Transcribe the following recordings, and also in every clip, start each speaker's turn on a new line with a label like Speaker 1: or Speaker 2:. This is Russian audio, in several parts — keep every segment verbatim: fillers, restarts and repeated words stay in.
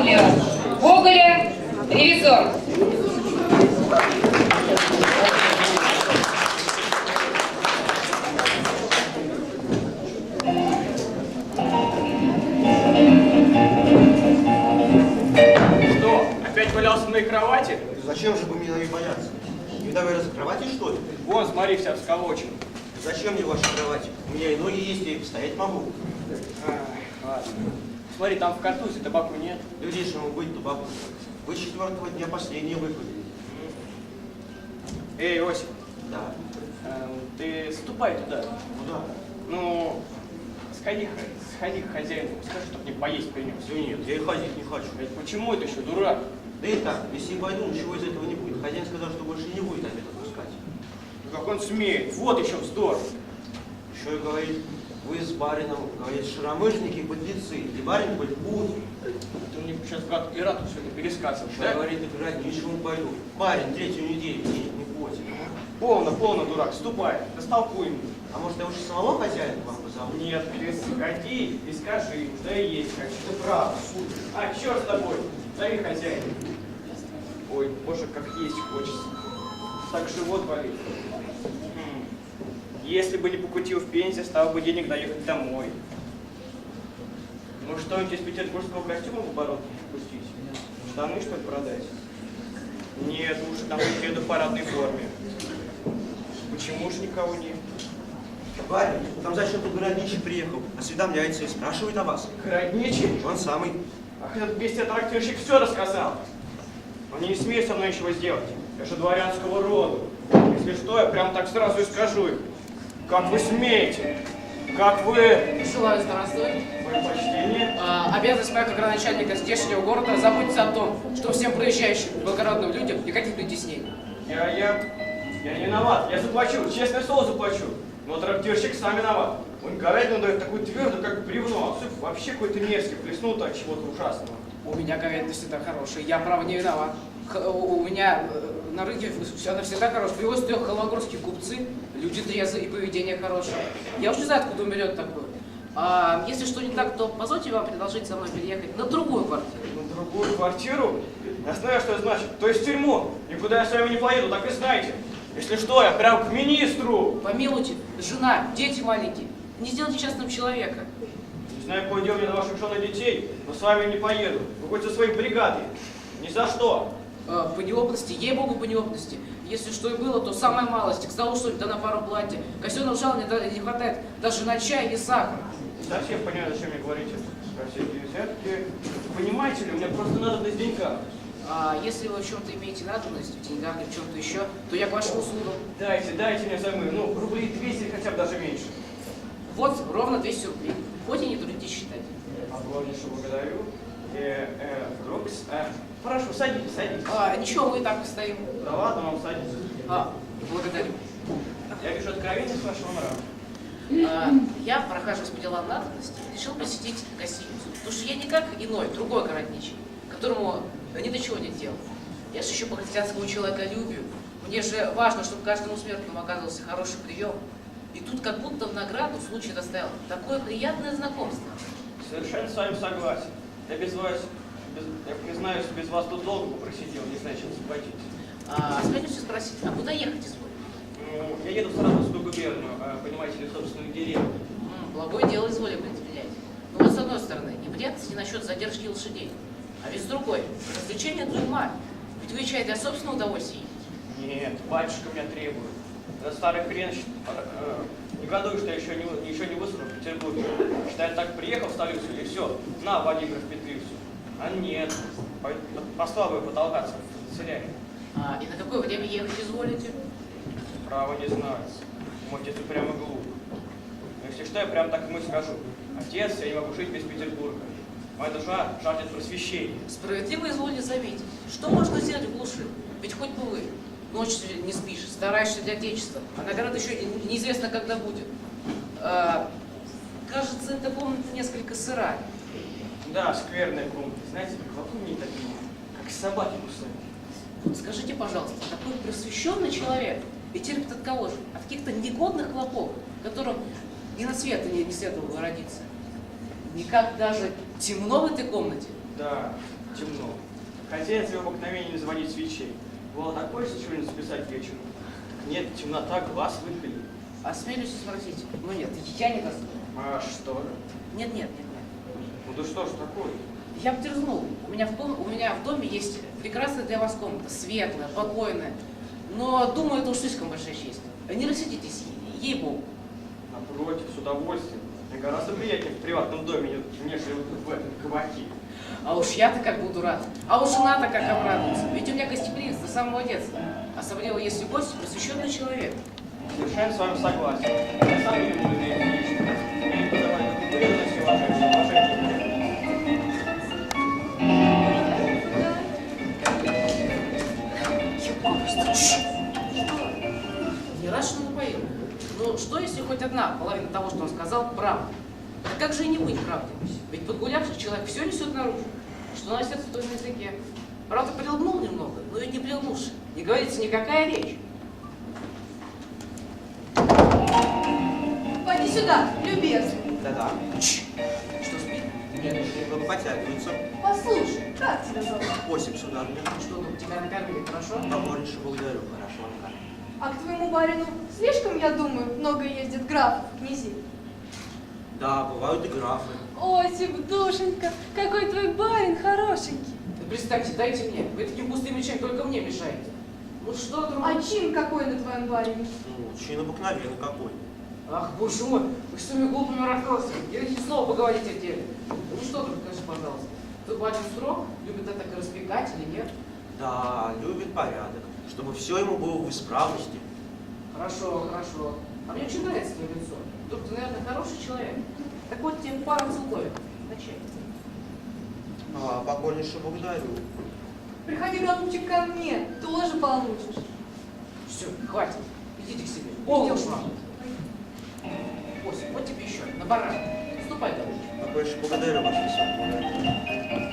Speaker 1: Владимира Гоголя «Ревизор».
Speaker 2: Что, опять валялся на моей кровати?
Speaker 3: Зачем же вы меня и бояться? Не давай раз кровати, что ли?
Speaker 2: Вон, смотри, вся всколочена.
Speaker 3: Зачем мне ваша кровать? У меня и ноги есть, я и постоять могу.
Speaker 2: Ах, ладно. Смотри, там в картузе табаку нет.
Speaker 3: Люди, ему быть табаку. Вы с четвертого дня последние выпали.
Speaker 2: Эй, Осип,
Speaker 3: Да.
Speaker 2: э, ты ступай туда.
Speaker 3: Куда?
Speaker 2: Ну, сходи, х- сходи к хозяину, скажи, чтоб мне поесть принес.
Speaker 3: Да нет, я и ходить не хочу.
Speaker 2: Ведь почему это еще, дурак?
Speaker 3: Да и так, если и пойду, ничего из этого не будет. Хозяин сказал, что больше не будет обед отпускать.
Speaker 2: Ну, как он смеет? Вот еще вздор.
Speaker 3: Еще и говорит, вы с барином, говорит, шаромыжники, подлецы. И барин хоть пут.
Speaker 2: Ты мне сейчас как Ирату все это пересказываешь,
Speaker 3: Еще
Speaker 2: да?
Speaker 3: говорит, играть ничего не пойду. Барин третью неделю денег не платит.
Speaker 2: Полно, полно, дурак, ступай, растолкуй мне.
Speaker 3: А может, я уже самого хозяина к вам позову?
Speaker 2: Нет, ты сходи и скажи, что я есть хочу. Ты прав. А, черт с тобой, зови хозяина. Ой, боже, как есть хочется. Так живот болит. Хм. Если бы не покутил в Пензе, стало бы денег доехать домой. Ну что-нибудь из петербургского костюма в оборот пустить? Штаны, что ли, продать? Нет, лучше там еду в парадной форме. Почему же никого нет?
Speaker 3: Барин, там зачем тут городничий приехал, осведомляется и спрашивает о вас.
Speaker 2: Городничий?
Speaker 3: Он самый.
Speaker 2: Ах, этот бестия трактирщик все рассказал. Он не смеет со мной ничего сделать. Я же дворянского рода. Если что, я прям так сразу и скажу им. Как вы смеете? Как вы...
Speaker 4: Желаю здравствовать.
Speaker 2: Мое почтение.
Speaker 4: А, обязанность моя как градоначальника здешнего города заботиться о том, что всем проезжающим благородным людям никаких притеснений.
Speaker 2: Я, я... Я не виноват. Я заплачу. Честное слово заплачу. Но трактирщик сам виноват. Он говядину дает такую твердую, как бревно. А суп вообще какой-то мерзкий. Плеснул от чего-то ужасного.
Speaker 4: У меня говядина всегда хорошая, я, право, не виноват. Х- у меня э, на рынке все она всегда хорошая. Привозят ее холмогорские купцы, люди трезвые и поведение хорошее. Я уж не знаю, откуда он берет такое. А если что не так, то позвольте вам предложить со мной переехать на другую квартиру.
Speaker 2: На другую квартиру? Я знаю, что это значит. То есть в тюрьму. Никуда я с вами не поеду, так и знаете. Если что, я прям к министру.
Speaker 4: Помилуйте, жена, дети маленькие. Не сделайте частным человека.
Speaker 2: Не знаю, какое дело мне до ваших жен и детей, но с вами не поеду. Вы хоть со своей бригадой. Ни за что.
Speaker 4: Э, По неопытности, ей-богу, по неопытности. Если что и было, то самая малость. К столу что-нибудь, да на пару платья. Казенного жалования да, не хватает даже на чай и сахар.
Speaker 2: Совсем понимаю, зачем мне говорите про всякие взятки. Понимаете ли, мне просто надо до денька.
Speaker 4: А если вы в чем-то имеете надобность, в деньгах или в чем-то еще, то я к вашим услугам.
Speaker 2: Дайте, дайте мне взаймы. Ну, рублей двести или хотя бы даже меньше.
Speaker 4: Вот ровно двести рублей. Хоть и не трудитесь считать.
Speaker 2: Огромнейше благодарю. Э, э, Рокс, э, прошу, садитесь, садитесь.
Speaker 4: А, ничего, мы и так постоим.
Speaker 2: Да ладно, вам садитесь.
Speaker 4: А, благодарю.
Speaker 2: Я вижу откровенность вашего нрава.
Speaker 4: А, я, прохаживаясь по делам надобности, решил посетить гостиницу. Потому что я не как иной, другой городничий, которому ни до чего нет дела. Я же еще по христианскому человеколюбию. Мне же важно, чтобы каждому смертному оказывался хороший прием. И тут как будто в награду случай доставил такое приятное знакомство.
Speaker 2: Совершенно с вами согласен. Я без вас, без, я признаюсь, без вас тут долго бы просидел, не знаю, чем заплатить.
Speaker 4: А, осмелюсь спросить, а куда ехать изволь?
Speaker 2: Ну, я еду в Саратовскую губернию, а, понимаете ли, в собственную деревню.
Speaker 4: М, благое дело изволи предпринять. Но вот с одной стороны, неприятности насчет задержки лошадей. А ведь с другой, развлечение для ума. Ведь вы чай для собственного удовольствия.
Speaker 2: Нет, батюшка меня требует. Этот старый хрен э, негодует, что я еще не, еще не высунул в Петербурге. Считает, так приехал в столицу и все, на, Владимир в Петлицу. А нет, по, послал бы потолкаться в канцелярии.
Speaker 4: А, и на какое время ехать изволите?
Speaker 2: Право не знаю. Мой отец упрямо глуп. Но если что, я прям так ему и скажу. Отец, я не могу жить без Петербурга. Моя душа жаждет просвещения.
Speaker 4: Справедливо изволите заметить. Что можно сделать в глуши? Ведь хоть бы вы ночь не спишь, стараешься для отечества, а награда еще неизвестно, когда будет. А, кажется, эта комната несколько сырая.
Speaker 2: Да, скверная комната. Знаете, вокруг не такие, как собаки кусают.
Speaker 4: Вот скажите, пожалуйста, такой просвещенный человек и терпит от кого же? От каких-то негодных хлопов, которым ни на свет не, не следовало родиться. Никак даже темно в этой комнате.
Speaker 2: Да, темно. Хотя я тебе обыкновение не заводить свечей. Было такое, что что-нибудь записать вечером. Нет, темнота, глаз выпили.
Speaker 4: Осмелюсь спросить. Ну нет, я не достану.
Speaker 2: А что?
Speaker 4: Нет, нет, нет, нет.
Speaker 2: Ну да что ж такое?
Speaker 4: Я бы дерзнул. У меня в, дом, у меня в доме есть прекрасная для вас комната, светлая, покойная. Но, думаю, это уж слишком большая честь. Не рассердитесь, ей-богу.
Speaker 2: Напротив, с удовольствием. Мне гораздо приятнее в приватном доме, нежели в этом кабаке.
Speaker 4: А уж я-то как буду рад. А уж жена-то как обрадуется. Ведь у меня гостеприимство с самого детства. Особенно если гость просвещенный человек.
Speaker 2: Совершенно с вами согласен. Я сам не люблю людей лично. Я не подаваю уверенности уважения. Уважение.
Speaker 4: Не рад, что напоил. Ну, что если хоть одна половина того, что он сказал, правда? А как же и не быть правдой? Ведь подгулявший человек все несет наружу, что на сердце, то и на языке. Правда, прилгнул немного, но ведь не прилгнувший. Не говорится никакая речь.
Speaker 5: Пойди сюда, любезный.
Speaker 3: Да-да.
Speaker 4: Что, спит?
Speaker 3: Нет, немного потягиваются.
Speaker 5: Послушай, как тебя зовут?
Speaker 3: Осип, сударыня.
Speaker 4: Что, ну, тебя накормили, хорошо?
Speaker 3: Покорнейше благодарю. Хорошо, Анна.
Speaker 5: А к твоему барину слишком, я думаю, много ездит графов, князей.
Speaker 3: Да, бывают и графы.
Speaker 5: Осип, душенька, какой твой барин хорошенький.
Speaker 4: Да представьте, дайте мне. Вы таким пустым мечем только мне мешаете. Ну что, другое?
Speaker 5: А чин какой на твоем барине?
Speaker 3: Ну, чин обыкновенный какой.
Speaker 4: Ах, боже мой, вы с своими глупыми расспросами. Я хоть снова поговорить о деле. Ну что, друг, скажи, пожалуйста, твой барин строг, любит это так распекать или нет?
Speaker 3: Да, любит порядок, чтобы все ему было в исправности.
Speaker 4: Хорошо, хорошо. А мне очень нравится твое лицо. Друг, ты, наверное, хороший человек. Так вот тебе пара целковик. На чай.
Speaker 3: А, покорнейше благодарю.
Speaker 5: Приходи, голубчик, ко мне, тоже получишь.
Speaker 4: Все, хватит. Идите к себе. Полно уж вам. Ося, вот тебе еще, на баран. Ступай, голубчик.
Speaker 3: Покорнейше благодарю, ваше высокое.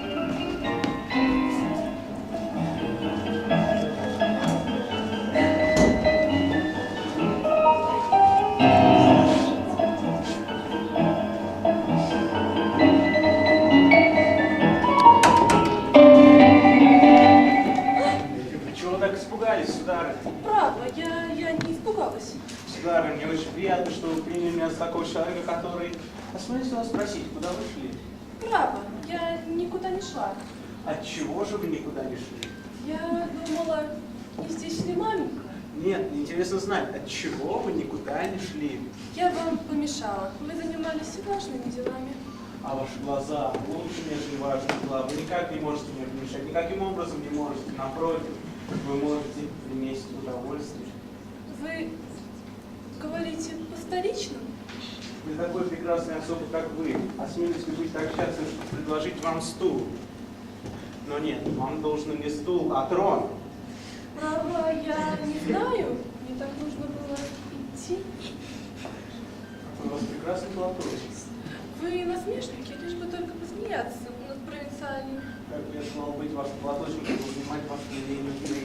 Speaker 5: Право, я, я не испугалась.
Speaker 6: Сударыня, мне очень приятно, что вы приняли меня за такого человека, который... Осмелюсь вас спросить, куда вы шли?
Speaker 5: Право, я никуда не шла.
Speaker 6: Отчего же вы никуда не шли?
Speaker 5: Я думала, не здесь ли маменька?
Speaker 6: Нет, мне интересно знать, отчего вы никуда не шли?
Speaker 5: Я вам помешала. Вы занимались важными делами.
Speaker 6: А ваши глаза лучше, нежели важные дела. Вы никак не можете мне помешать, никаким образом не можете. Напротив, вы можете принести удовольствие.
Speaker 5: Вы говорите по-столичному?
Speaker 6: Для такой прекрасной особы, как вы, осмелюсь ли быть так счастлив, что предложить вам стул? Но нет, вам должен не стул, а трон.
Speaker 5: Право, я не знаю. Мне так нужно было идти.
Speaker 6: У вас прекрасный платочек.
Speaker 5: Вы насмешники, лишь бы только посмеяться над провинциальными.
Speaker 6: Как бы я желал быть вашим платочком, чтобы занимать вашу линейную.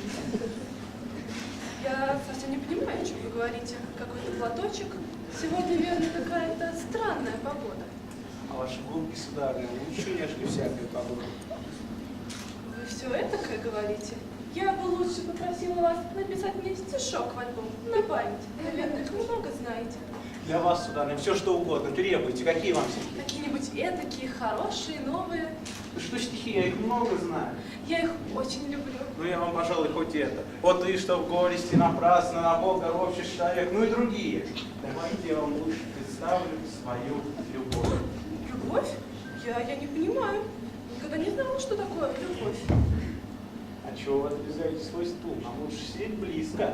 Speaker 5: Я совсем не понимаю, о чем вы говорите. Какой-то платочек. Сегодня, верно, какая-то странная погода.
Speaker 6: А ваши губки, сударыня, лучше, нежели всякая погода.
Speaker 5: Вы все это как говорите? Я бы лучше попросила вас написать мне стишок в альбом на память. Наверное, их много знаете.
Speaker 6: Для вас, сударыня, все что угодно. Требуйте, какие вам стихи?
Speaker 5: Какие-нибудь этакие, хорошие, новые.
Speaker 6: Да что стихи, я их много знаю.
Speaker 5: Я их очень люблю.
Speaker 6: Ну, я вам, пожалуй, хоть это. Вот и что в горести напрасно, на Бога ропщешь человек, ну и другие. Давайте я вам лучше представлю свою любовь.
Speaker 5: Любовь? Я, я не понимаю. Никогда не знала, что такое любовь.
Speaker 6: А чего вы отодвигаете свой стул? Нам лучше сидеть близко.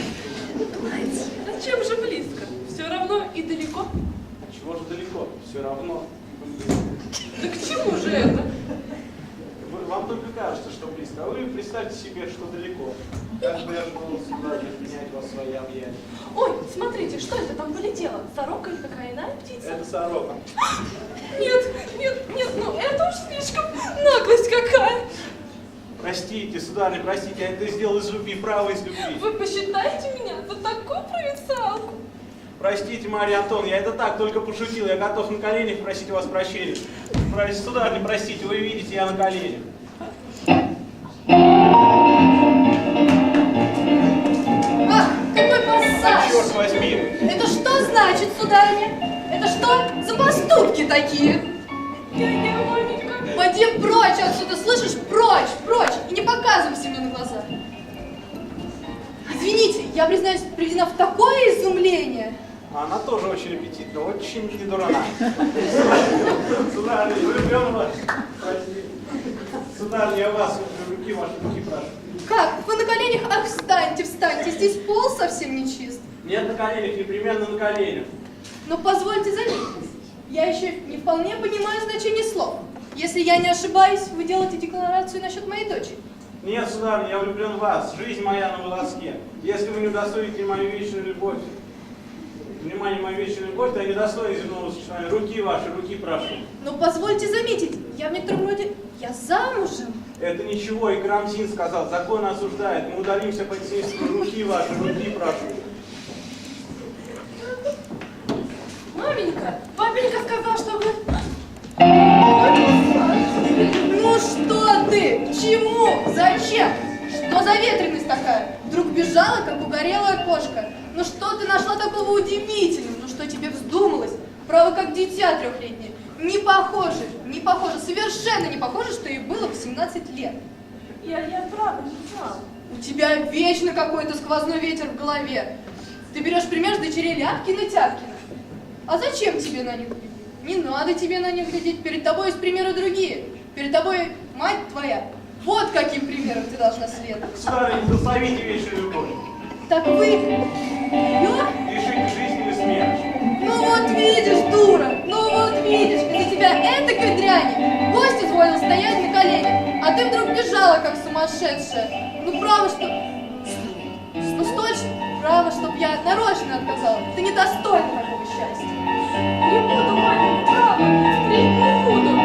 Speaker 5: Зачем же близко? Все равно и далеко.
Speaker 6: А чего же далеко? Все равно.
Speaker 5: Да к чему же это?
Speaker 6: Вы- Вам только кажется, что близко, а вы представьте себе, что далеко. Как бы я был сюда, принять вас в свои объятия.
Speaker 5: Ой, смотрите, что это там полетело? Сорока или какая иная птица?
Speaker 6: Это сорока.
Speaker 5: Нет, нет, нет, ну это уж слишком наглость какая.
Speaker 6: Простите, сударыня, простите, я это сделал из любви, право из любви.
Speaker 5: Вы посчитаете меня за такую провинциалку?
Speaker 6: Простите, Марья Антоновна, я это так только пошутил, я готов на коленях просить у вас прощения. Простите, сударыня, простите, вы видите, я на коленях. возьми.
Speaker 5: Это что значит, сударыня? Это что за поступки такие? Я не маменька. Пойди прочь отсюда, слышишь? Прочь, прочь. И не показывайся мне на глаза. Извините, я, признаюсь, приведена в такое изумление.
Speaker 6: Она тоже очень аппетитна, очень недурна. Сударыня, влюблен в вас. Прости. Сударыня, я вас руки, ваши руки прошу.
Speaker 5: Как? Вы на коленях? Ах, встаньте, встаньте. Здесь пол совсем не чист.
Speaker 6: Нет на коленях, непременно на коленях.
Speaker 5: Но позвольте заметить, я еще не вполне понимаю значение слов. Если я не ошибаюсь, вы делаете декларацию насчет моей дочери.
Speaker 6: Нет, сударыня, я влюблен в вас. Жизнь моя на волоске. Если вы не удостоите мою вечную любовь, внимание, мою вечную любовь, то я не достоин земного существования. Руки ваши, руки прошу.
Speaker 5: Но позвольте заметить, я в некотором роде, я замужем.
Speaker 6: Это ничего, и Карамзин сказал, закон осуждает. Мы удалимся по семейству. Руки ваши, руки прошу.
Speaker 5: Маменька, папенька сказал, что вы... Ну что ты? К чему? Зачем? Что за ветреность такая? Вдруг бежала, как угорелая кошка. Ну что ты нашла такого удивительного? Ну что тебе вздумалось? Право, как дитя трехлетнее. Не похоже, не похоже, совершенно не похоже, что ей было восемнадцать лет. Я, я правда не знала. У тебя вечно какой-то сквозной ветер в голове. Ты берешь пример с дочерей Ляпкина-Тяпкина. А зачем тебе на них глядеть? Не надо тебе на них глядеть. Перед тобой есть примеры другие. Перед тобой мать твоя. Вот каким примером ты должна следовать.
Speaker 6: Сударыня, благословите вечную любовь.
Speaker 5: Так вы ее?
Speaker 6: Решите жизнь или смерть.
Speaker 5: Ну вот видишь, дура. Ну вот видишь, из-за тебя этакой дряни. Гость изволил стоять на коленях, а ты вдруг бежала, как сумасшедшая. Ну право, что... Ну столь, право, чтоб я нарочно отказала. Ты недостойна такого счастья. Не буду, маменька, право, впредь не буду.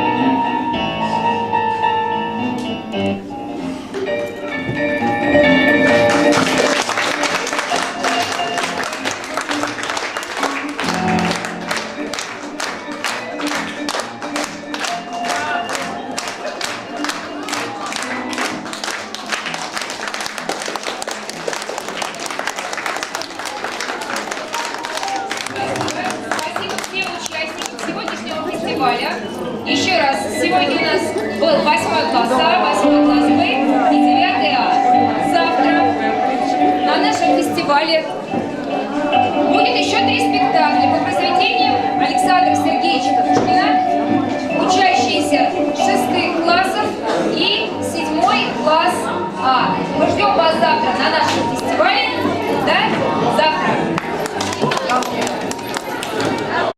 Speaker 1: Спасибо всем участникам сегодняшнего фестиваля. Еще раз, сегодня у нас был восьмой класс А, восьмой класс Б и девятый А. Завтра на нашем фестивале будет еще три спектакля по произведениям Александра Сергеевича Пушкина, учащиеся шестых классов и седьмой класс А. Мы ждем вас